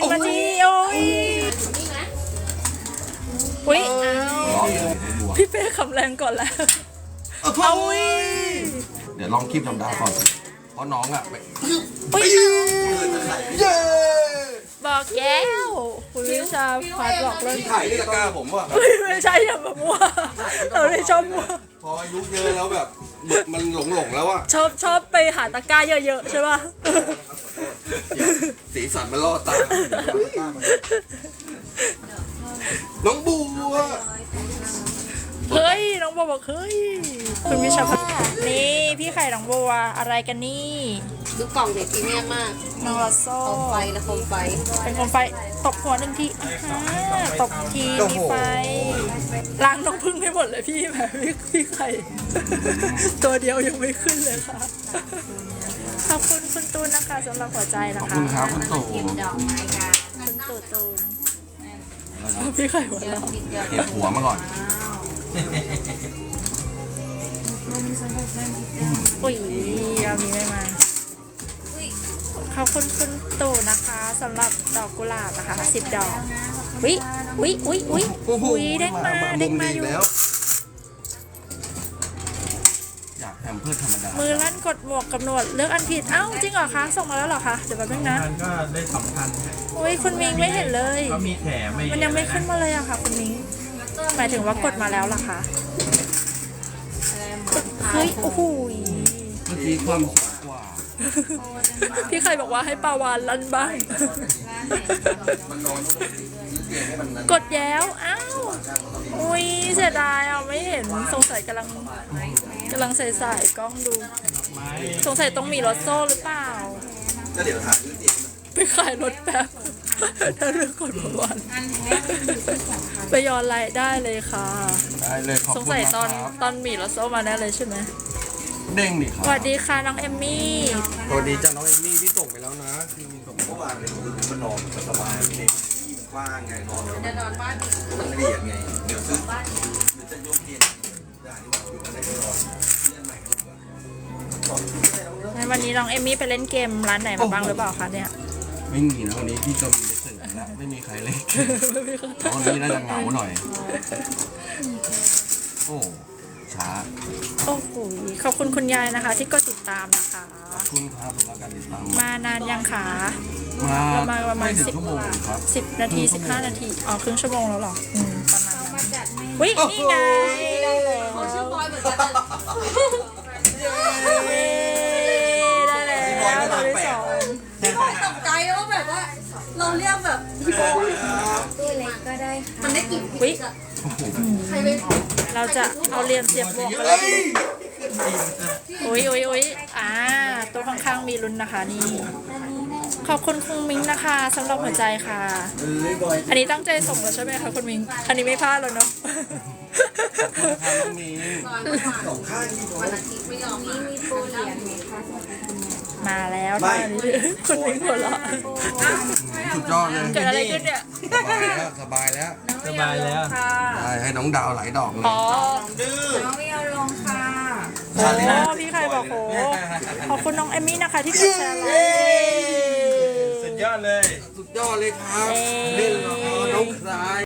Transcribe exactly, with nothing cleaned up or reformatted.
นาทีโอ้ยอุ้ยพี่เป้คำแรงก่อนแล้วเอาอุ้ยเดี๋ยวลองคลิปธรรมดาก่อนเพราะน้องอ่ะอุ้ยเย้บอกแก้วคุณวิชาพัดบอกเลยถ่ายที่ตะกร้าผมว่ะไม่ใช่อย่ามามั่วเราไม่ชอบมั่วพออายุเยอะแล้วแบบมันหลงหลงแล้วอ่ะชอบชอบไปหาตะกร้าเยอะๆใช่ป่ะสีสันมันล่อตาน้องบัวเฮ้ยน้องบัวบอกเฮ้ยคุณวิชาพัฒน์นี่พี่ไข่น้องบัวอะไรกันนี่ดูกล่องเด็กพรีเมียมมากน้องลอโซ่โคมไฟและโคมไฟเป็นโคมไฟตบหัวหนึ่งทีตบทีมีไฟล้างน้องพึ่งให้หมดเลยพี่แบบพี่พี่ไข่ตัวเดียวยังไม่ขึ้นเลยค่ะขอบคุณคุณตูนนะคะสำหรับหัวใจนะคะขอบคุณครับคุณตู่คุณตู่ตูนพี่ไข่หัวเราเก็บหัวมาก่อนอุ้ยเรามีไม่มาขอบคุณคุณตู่นะคะสำหรับดอกกุหลาบนะคะสิบดอกวิวิวิวิวิเด้งมาเด้งมาอยู่อยากแฮมเพื่อธรรมดามือลั่นกดหมวกกับหนวดเลือกอันผิดเอ้าจริงเหรอคะส่งมาแล้วเหรอคะเดี๋ยวแป๊บนึงนะก็ได้สองพันอุ้ยคุณมิงไม่เห็นเลยก็มีแถมมันยังไม่ขึ้นมาเลยอะค่ะคุณมิงหมายถึงว่ากดมาแล้วเหรอคะเฮ้ยโอ้โหเมื่อกี้ความสูงกว่าพี่ใครบอกว่าให้ปาวานลั่นบ้างกดแย้วอ้าวอุ้ยเสียดายอ่ะไม่เห็นสงสัยกำลังกำลังใส่ใส่กล้องดูสงสัยต้องมีรถโซ่หรือเปล่าก็เดี๋ยวถ่ายไปขายรถแป๊บถ้าเรื่องกดปาวานไปย้อนไลน์ได้เลยค่ะได้เลยขอบคุณสงสัยตอนตอนมีรถโซ่มาแน่เลยใช่ไหมเด้งดิครับสวัสดีค่ะน้องเอมมี่สวัสดีจ้าน้องเอมมี่ที่ส่งไปแล้วนะที่มีส่งเมื่อวานเลยคือมันนอนสบายเลยกว้างไงนอนจะนอนบ้านมันละเอียดไงเดี๋ยวซื้อเดี๋ยวจะยกเกียร์ได้ที่ว่าอยู่กันได้ก็นอนเล่นใหม่กันดีกว่าในวันนี้น้องเอมมี่ไปเล่นเกมร้านไหนมาบ้างหรือเปล่าคะเนี่ยไม่มีนะวันนี้พี่ก็มีเล่นนะไม่มีใครเล่นตอนนี้น่าจะเหงาหน่อยโอ้ช้าโอ้โหขอบคุณคุณยายนะคะที่ก็ติดตามนะคะขอบคุณครับสำหรับการติดตามมานานยังคะมามาประมาณสิบชั่วโมงครับสิบนาทีสิบห้านาทีอ๋อครึ่งชั่วโมงแล้วหรออืมประมาณนั้นวินี่ไงเขาชื่อบอยเหมือนกันได้แล้วเราได้สองพี่บอยตกใจว่าแบบว่าเราเรียกแบบพี่บอยตัวเล็กก็ได้มันได้กลิ่นวิใครเป็นเราจะเอาเรียนเสียบหมวกกันเลยอุ้ยอุ้ยอุ้ยอ่าตัวข้างๆมีลุ้นนะคะนี่ขอบคุณคุณมิ้งนะคะสำหรับหัวใจค่ะอันนี้ตั้งใจส่งแล้วใช่ไหมคะคุณมิ้งอันนี้ไม่พลาดแล้วเนาะมาแล้วนะคุณมิ้งหัวเราะสุดยอดเลยเกิดอะไรขึ้นเนี่ยสบายแล้วสบายแล้วได้ให้น้องดาวไหลดอกเลยอ๋อดื้อน้องไม่เอาลงค่ะโอ้พี่ใครบอกโหขอบคุณน้องเอมมี่นะคะที่กดแชร์ไลน์สุดยอดเลยสุดยอดเลยครับเล่นน้องคลาย